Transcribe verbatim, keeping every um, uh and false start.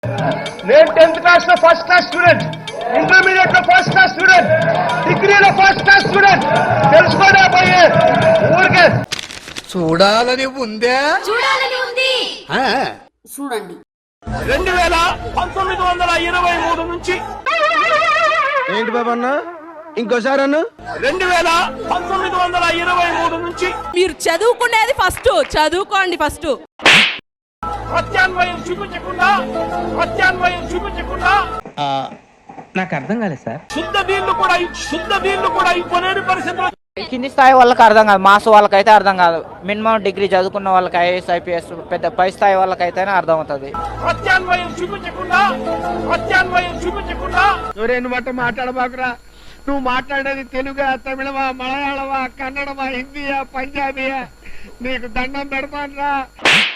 నేను tenth class లో first class student, intermediate లో ఫస్ట్ క్లాస్ స్టూడెంట్, డిగ్రీలో ఫస్ట్ క్లాస్ స్టూడెంట్. తెలుసుకోడా పోయే ఊరికే చూడాలని ఉందే చూడాలని ఉంది ఆ. చూడండి. రెండు వేల పంతొమ్మిది వందల ఇరవై మూడు నుంచి ఏంటి బాబా అన్న ఇంకోసారి అన్న రెండు వేల పంతొమ్మిది వందల ఇరవై మూడు నుంచి మీరు చదువుకునేది ఫస్ట్ చదువుకోండి ఫస్ట్. ప్రత్యాన్వయం చూపించకుండా ప్రత్యాన్వయం చూపించకుండా నాకు అర్థం కాలేదు సార్. శుద్ధ దీళ్లు కూడా శుద్ధ దీళ్లు కూడా ఇవ్వలేని పరిస్థితులు. కింది స్థాయి వాళ్ళకి అర్థం కాదు, మాస్ వాళ్ళకైతే అర్థం కాదు. మినిమం డిగ్రీ చదువుకున్న వాళ్ళకి ఐఏఎస్ ఐపీఎస్ పెద్ద పై స్థాయి వాళ్ళకైతేనే అర్థం అవుతుంది. ప్రత్యాన్వయం చూపించకుండా ప్రత్యాన్వయం చూపించకుండా నువ్వు మాట మాట్లాడబాకురా. నువ్వు మాట్లాడేది తెలుగా, తమిళమా, మలయాళమా, కన్నడమా, హిందీయా, పంజాబీయా? నీకు దండం పెడతాను రా.